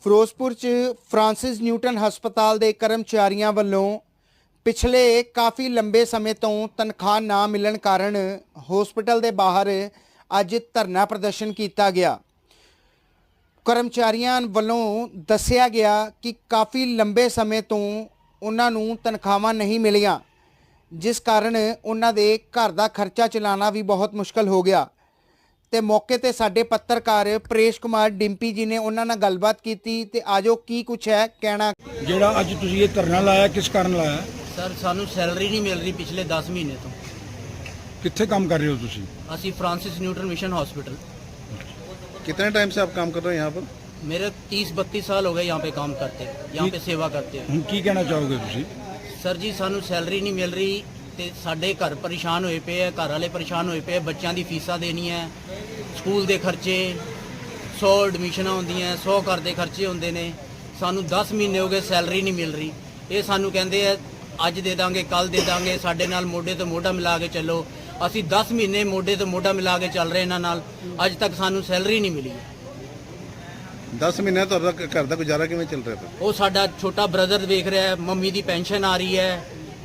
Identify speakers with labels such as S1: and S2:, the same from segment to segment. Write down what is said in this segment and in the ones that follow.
S1: ਫਿਰੋਜ਼ਪੁਰ 'ਚ Francis Newton ਹਸਪਤਾਲ ਦੇ ਕਰਮਚਾਰੀਆਂ ਵੱਲੋਂ ਪਿਛਲੇ ਕਾਫੀ ਲੰਬੇ ਸਮੇਂ ਤੋਂ ਤਨਖਾਹ ਨਾ ਮਿਲਣ ਕਾਰਨ ਹਸਪਤਾਲ ਦੇ ਬਾਹਰ ਅੱਜ ਧਰਨਾ ਪ੍ਰਦਰਸ਼ਨ ਕੀਤਾ ਗਿਆ। ਕਰਮਚਾਰੀਆਂ ਵੱਲੋਂ ਦੱਸਿਆ ਗਿਆ ਕਿ ਕਾਫੀ ਲੰਬੇ ਸਮੇਂ ਤੋਂ ਉਹਨਾਂ ਨੂੰ ਤਨਖਾਹਾਂ ਨਹੀਂ ਮਿਲੀਆਂ, ਜਿਸ ਕਾਰਨ ਉਹਨਾਂ ਦੇ ਘਰ ਦਾ ਖਰਚਾ ਚਲਾਉਣਾ ਵੀ ਬਹੁਤ ਮੁਸ਼ਕਲ ਹੋ ਗਿਆ। ਤੇ ਮੌਕੇ ਤੇ ਸਾਡੇ ਪੱਤਰਕਾਰ ਪ੍ਰੇਸ਼ ਕੁਮਾਰ ਡਿੰਪੀ ਜੀ ਨੇ ਉਹਨਾਂ ਨਾਲ ਗੱਲਬਾਤ ਕੀਤੀ ਤੇ ਆਜੋ ਕੀ ਕੁਛ ਹੈ ਕਹਿਣਾ।
S2: ਜਿਹੜਾ ਅੱਜ ਤੁਸੀਂ ਇਹ ਧਰਨਾ ਲਾਇਆ ਕਿਸ ਕਾਰਨ ਲਾਇਆ?
S3: सर सानू सैलरी नहीं मिल रही पिछले 10 महीने तो।
S2: कित्थे काम कर रहे हो तुसी?
S3: असी फ्रांसिस न्यूटन मिशन हॉस्पिटल।
S4: कितने टाइम से आप काम कर रहे हो यहाँ पर?
S3: मेरे 30-32 साल हो गए यहाँ पे काम करते, यहाँ पे सेवा करते हैं।
S2: ਹੁਣ ਕੀ ਕਹਿਣਾ ਚਾਹੋਗੇ ਤੁਸੀਂ?
S3: सर जी सानू सैलरी नहीं मिल रही ਤੇ ਸਾਡੇ ਘਰ ਪਰੇਸ਼ਾਨ ਹੋਏ ਪਏ ਆ, ਘਰ ਵਾਲੇ ਪਰੇਸ਼ਾਨ ਹੋਏ ਪਏ, ਬੱਚਿਆਂ ਦੀ ਫੀਸਾਂ ਦੇਣੀਆਂ, ਸਕੂਲ ਦੇ ਖਰਚੇ, 100 ਐਡਮਿਸ਼ਨਾਂ ਹੁੰਦੀਆਂ, 100 ਘਰ ਦੇ ਖਰਚੇ ਹੁੰਦੇ ਨੇ। ਸਾਨੂੰ 10 ਮਹੀਨੇ ਹੋ ਗਏ ਸੈਲਰੀ ਨਹੀਂ ਮਿਲ ਰਹੀ। ਇਹ ਸਾਨੂੰ ਕਹਿੰਦੇ ਆ ਅੱਜ ਦੇ ਦਾਂਗੇ, ਕੱਲ ਦੇ ਦਾਂਗੇ, ਸਾਡੇ ਨਾਲ ਮੋਢੇ ਤੋਂ ਮੋਢਾ ਮਿਲਾ ਕੇ ਚੱਲੋ। ਅਸੀਂ 10 ਮਹੀਨੇ ਮੋਢੇ ਤੋਂ ਮੋਢਾ ਮਿਲਾ ਕੇ ਚੱਲ ਰਹੇ ਇਹਨਾਂ ਨਾਲ, ਅੱਜ ਤੱਕ ਸਾਨੂੰ ਸੈਲਰੀ ਨਹੀਂ ਮਿਲੀ।
S4: 10 ਮਹੀਨੇ ਤੁਹਾਡਾ ਘਰ ਦਾ ਗੁਜ਼ਾਰਾ ਕਿਵੇਂ ਚੱਲ ਰਿਹਾ?
S3: ਉਹ ਸਾਡਾ ਛੋਟਾ ਬ੍ਰਦਰ ਵੇਖ ਰਿਹਾ ਹੈ, ਮੰਮੀ ਦੀ ਪੈਨਸ਼ਨ ਆ ਰਹੀ ਹੈ,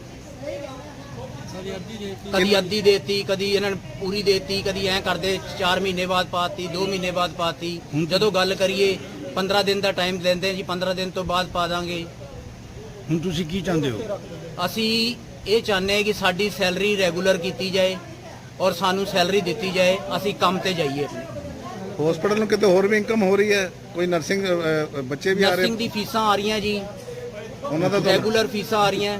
S3: ਕਦੀ ਅੱਧੀ ਦੇਤੀ, ਕਦੀ ਇਹਨਾਂ ਨੇ ਪੂਰੀ ਦੇਤੀ, ਕਦੀ ਐਂ ਕਰਦੇ 4 ਮਹੀਨੇ ਬਾਅਦ ਪਾਤੀ, 2 ਮਹੀਨੇ ਬਾਅਦ ਪਾਤੀ। ਜਦੋਂ ਗੱਲ ਕਰੀਏ 15 ਦਿਨ ਦਾ ਟਾਈਮ ਦਿੰਦੇ ਜੀ, 15 ਦਿਨ ਤੋਂ ਬਾਅਦ ਪਾ ਦਾਂਗੇ।
S2: ਹੁਣ ਤੁਸੀਂ ਕੀ ਚਾਹੁੰਦੇ ਹੋ?
S3: ਅਸੀਂ ਇਹ ਚਾਹੁੰਦੇ ਹਾਂ ਕਿ ਸਾਡੀ ਸੈਲਰੀ ਰੈਗੂਲਰ ਕੀਤੀ ਜਾਏ ਔਰ ਸਾਨੂੰ ਸੈਲਰੀ ਦਿੱਤੀ ਜਾਏ, ਅਸੀਂ ਕੰਮ ਤੇ ਜਾਈਏ।
S4: ਹਸਪੀਟਲ ਨੂੰ ਕਿਤੇ ਹੋਰ ਵੀ ਇਨਕਮ ਹੋ ਰਹੀ ਹੈ? ਕੋਈ ਨਰਸਿੰਗ ਬੱਚੇ ਵੀ ਆ ਰਹੇ?
S3: ਨਰਸਿੰਗ ਦੀ ਫੀਸਾਂ ਆ ਰਹੀਆਂ ਜੀ,
S4: ਉਹਨਾਂ ਦਾ
S3: ਰੈਗੂਲਰ ਫੀਸਾਂ ਆ ਰਹੀਆਂ।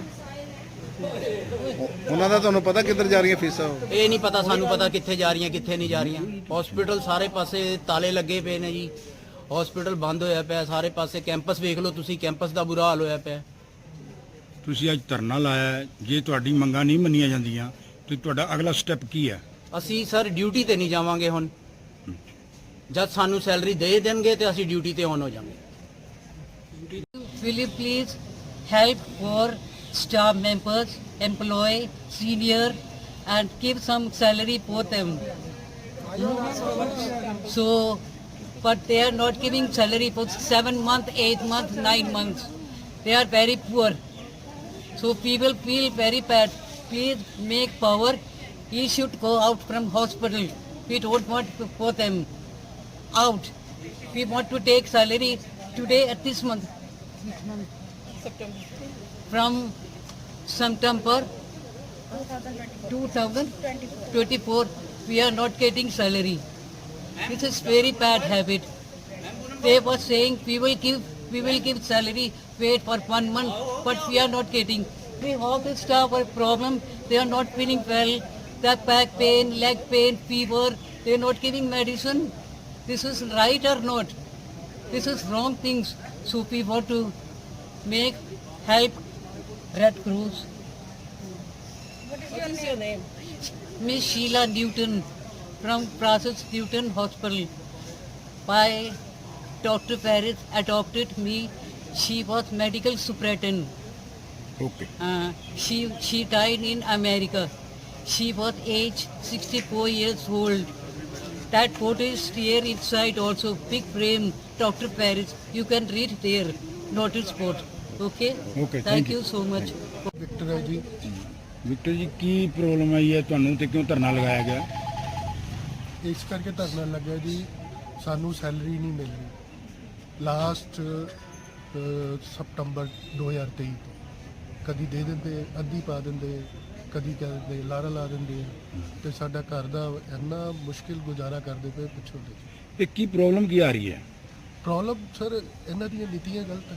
S4: ਤੁਹਾਨੂੰ ਪਤਾ ਕਿੱਧਰ ਜਾ ਰਹੀਆਂ ਫੀਸਾਂ?
S3: ਇਹ ਨਹੀਂ ਪਤਾ ਸਾਨੂੰ, ਪਤਾ ਕਿੱਥੇ ਜਾ ਰਹੀਆਂ ਕਿੱਥੇ ਨਹੀਂ ਜਾ ਰਹੀਆਂ। ਹਸਪੀਟਲ ਸਾਰੇ ਪਾਸੇ ਤਾਲੇ ਲੱਗੇ ਪਏ ਨੇ ਜੀ, ਹਸਪੀਟਲ ਬੰਦ ਹੋਇਆ ਪਿਆ ਸਾਰੇ ਪਾਸੇ। ਕੈਂਪਸ ਵੇਖ ਲਓ ਤੁਸੀਂ, ਕੈਂਪਸ ਦਾ ਬੁਰਾ ਹਾਲ ਹੋਇਆ ਪਿਆ।
S2: ਤੁਸੀਂ ਅੱਜ ਧਰਨਾ ਲਾਇਆ ਹੈ, ਜੇ ਤੁਹਾਡੀ ਮੰਗਾਂ ਨਹੀਂ ਮੰਨੀਆਂ ਜਾਂਦੀਆਂ ਤੇ ਤੁਹਾਡਾ ਅਗਲਾ ਸਟੈਪ ਕੀ ਹੈ?
S3: ਅਸੀਂ ਸਰ ਡਿਊਟੀ ਤੇ ਨਹੀਂ ਜਾਵਾਂਗੇ। ਹੁਣ ਜਦ ਸਾਨੂੰ ਸੈਲਰੀ ਦੇ ਦੇਣਗੇ ਤੇ ਅਸੀਂ ਡਿਊਟੀ ਤੇ ਔਨ ਹੋ ਜਾਵਾਂਗੇ।
S5: Will you please help for staff members, employee, senior, and give some salary for them? So, but they are not giving salary for 7 months, 8 months, 9 months. They are very poor. So people feel very bad. Please make power. He should go out from hospital. We don't want to put them out. We want to take salary today at this month. From September 2024, we are not getting salary. This is very bad habit. They were saying we will give salary, wait for 1 month, but we are not getting. We all the staff are problem. They are not feeling well. Their back pain, leg pain, fever. They are not giving medicine. This is right or not? This is wrong things. So we want to make help Red Cross.
S6: What is your name?
S5: Miss Sheila Newton from Francis Newton Hospital. By Dr. Paris adopted me. She was medical superintendent.
S2: Okay.
S5: She died in America. She was age 64 years old. That photo is here inside also. Big frame, Dr. Paris. You can read there. Notice board. Okay?
S2: Okay,
S5: Thank you so much.
S4: Victor ਹੈ ji.
S2: Victor ਜੀ, ਕੀ problem ਆਈ ਹੈ ਤੁਹਾਨੂੰ ਤੇ ਕਿਉਂ ਧਰਨਾ ਲਗਾਇਆ ਗਿਆ?
S7: ਇਸ ਕਰਕੇ ਧਰਨਾ ਲੱਗਿਆ ਜੀ, ਸਾਨੂੰ ਸੈਲਰੀ ਨਹੀਂ ਮਿਲ ਰਹੀ ਲਾਸਟ ਸਤੰਬਰ 2023 ਤੋਂ। ਕਦੀ ਦੇ ਦਿੰਦੇ, ਅੱਧੀ ਪਾ ਦਿੰਦੇ, ਕਦੀ ਕਹਿ ਦਿੰਦੇ ਲਾਰਾ ਲਾ ਦਿੰਦੇ, ਤੇ ਸਾਡਾ ਘਰ ਦਾ ਇੰਨਾ ਮੁਸ਼ਕਿਲ ਗੁਜ਼ਾਰਾ ਕਰਦੇ ਪਏ ਪੁੱਛੋ ਤੇ।
S2: ਇਹ ਕੀ ਪ੍ਰੋਬਲਮ ਕੀ ਆ ਰਹੀ ਹੈ?
S7: ਪ੍ਰੋਬਲਮ ਸਰ ਇਹਨਾਂ ਦੀਆਂ ਨੀਤੀਆਂ ਗਲਤ ਹੈ।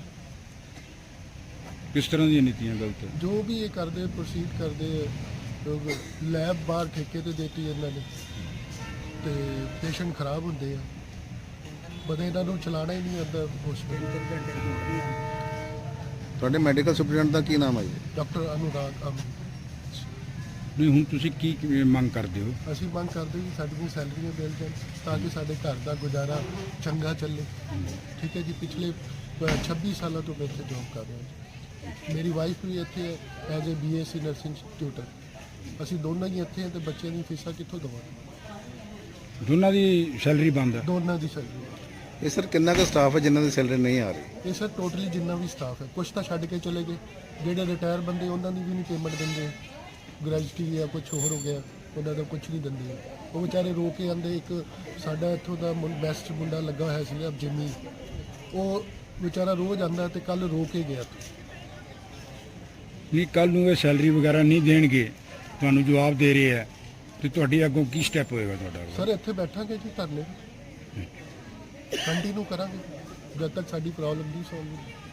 S2: ਕਿਸ ਤਰ੍ਹਾਂ ਦੀਆਂ ਨੀਤੀਆਂ ਗਲਤ ਹੈ?
S7: ਜੋ ਵੀ ਇਹ ਕਰਦੇ ਪ੍ਰੋਸੀਡ ਕਰਦੇ, ਲੈਬ ਬਾਹਰ ਠੇਕੇ ਤੇ ਦੇਤੀ ਇਹਨਾਂ ਨੇ, ਤੇ ਪੇਸ਼ੈਂਟ ਖਰਾਬ ਹੁੰਦੇ ਆ, ਬਦੇ ਇਹਨਾਂ ਨੂੰ ਚਲਾਣਾ ਹੀ ਨਹੀਂ ਆਉਂਦਾ ਹਸਪੀਟਲ।
S4: ਤੁਹਾਡੇ ਮੈਡੀਕਲ ਸੁਪਰਡੈਂਟ ਦਾ ਕੀ ਨਾਮ ਹੈ ਜੀ?
S7: ਡਾਕਟਰ ਅਨੁਰਾਗ ਅਮ।
S2: ਨਹੀਂ, ਹੁਣ ਤੁਸੀਂ ਕੀ ਮੰਗ ਕਰਦੇ ਹੋ?
S7: ਅਸੀਂ ਮੰਗ ਕਰਦੇ ਕਿ ਸਾਡੀਆਂ ਸੈਲਰੀਆਂ ਮਿਲ ਜਾਣ ਤਾਂ ਕਿ ਸਾਡੇ ਘਰ ਦਾ ਗੁਜ਼ਾਰਾ ਚੰਗਾ ਚੱਲੇ। ਠੀਕ ਹੈ ਜੀ, ਪਿਛਲੇ 26 ਸਾਲਾਂ ਤੋਂ ਮੈਂ ਇੱਥੇ ਜੌਬ ਕਰ ਰਿਹਾ ਜੀ। ਮੇਰੀ ਵਾਈਫ ਵੀ ਇੱਥੇ ਹੈ as a BSc nursing tutor. ਅਸੀਂ ਦੋਨੋਂ ਹੀ ਇੱਥੇ ਹਾਂ ਤੇ ਬੱਚਿਆਂ ਦੀ ਫੀਸਾਂ ਕਿੱਥੋਂ ਦੇਵਾਂਗੇ?
S2: ਦੋਨਾਂ ਦੀ ਸੈਲਰੀ ਬੰਦ ਹੈ?
S7: ਦੋਨਾਂ ਦੀ ਸੈਲਰੀ।
S4: ਇਹ ਸਰ ਕਿੰਨਾ ਕੁ ਸਟਾਫ ਹੈ ਜਿਨ੍ਹਾਂ ਦੀ ਸੈਲਰੀ ਨਹੀਂ ਆ ਰਹੀ?
S7: ਇਹ ਸਰ ਟੋਟਲੀ ਜਿੰਨਾ ਵੀ ਸਟਾਫ ਹੈ, ਕੁਝ ਤਾਂ ਛੱਡ ਕੇ ਚਲੇ ਗਏ, ਜਿਹੜੇ ਰਿਟਾਇਰ ਬੰਦੇ ਉਹਨਾਂ ਦੀ ਵੀ ਨਹੀਂ ਪੇਮੈਂਟ ਦਿੰਦੇ, ਗ੍ਰੈਜੂਟੀ ਜਾਂ ਕੁਝ ਹੋਰ ਹੋ ਗਿਆ, ਉਹਨਾਂ ਦਾ ਕੁਝ ਨਹੀਂ ਦਿੰਦੇ, ਉਹ ਵਿਚਾਰੇ ਰੋ ਕੇ ਆਉਂਦੇ। ਇੱਕ ਸਾਡਾ ਇੱਥੋਂ ਦਾ ਬੈਸਟ ਮੁੰਡਾ ਲੱਗਾ ਹੋਇਆ ਸੀਗਾ ਜਿੰਮੀ, ਉਹ ਵਿਚਾਰਾ ਰੋਜ਼ ਆਉਂਦਾ ਤੇ ਕੱਲ ਰੋ ਕੇ ਗਿਆ।
S2: ਨਹੀਂ, ਕੱਲ ਨੂੰ ਇਹ ਸੈਲਰੀ ਵਗੈਰਾ ਨਹੀਂ ਦੇਣਗੇ, ਤੁਹਾਨੂੰ ਜਵਾਬ ਦੇ ਰਹੇ ਹੈ, ਤੇ ਤੁਹਾਡੀ ਅੱਗੋਂ ਕੀ ਸਟੈਪ ਹੋਏਗਾ ਤੁਹਾਡਾ?
S7: ਸਰ ਇੱਥੇ ਬੈਠਾਂਗੇ ਜੀ, ਧਰਨੇ ਕੰਟੀਨਿਊ ਕਰਾਂਗੇ ਜਦ ਤੱਕ ਸਾਡੀ ਪ੍ਰੋਬਲਮ ਨਹੀਂ ਸੋਲਵ ਹੁੰਦੀ।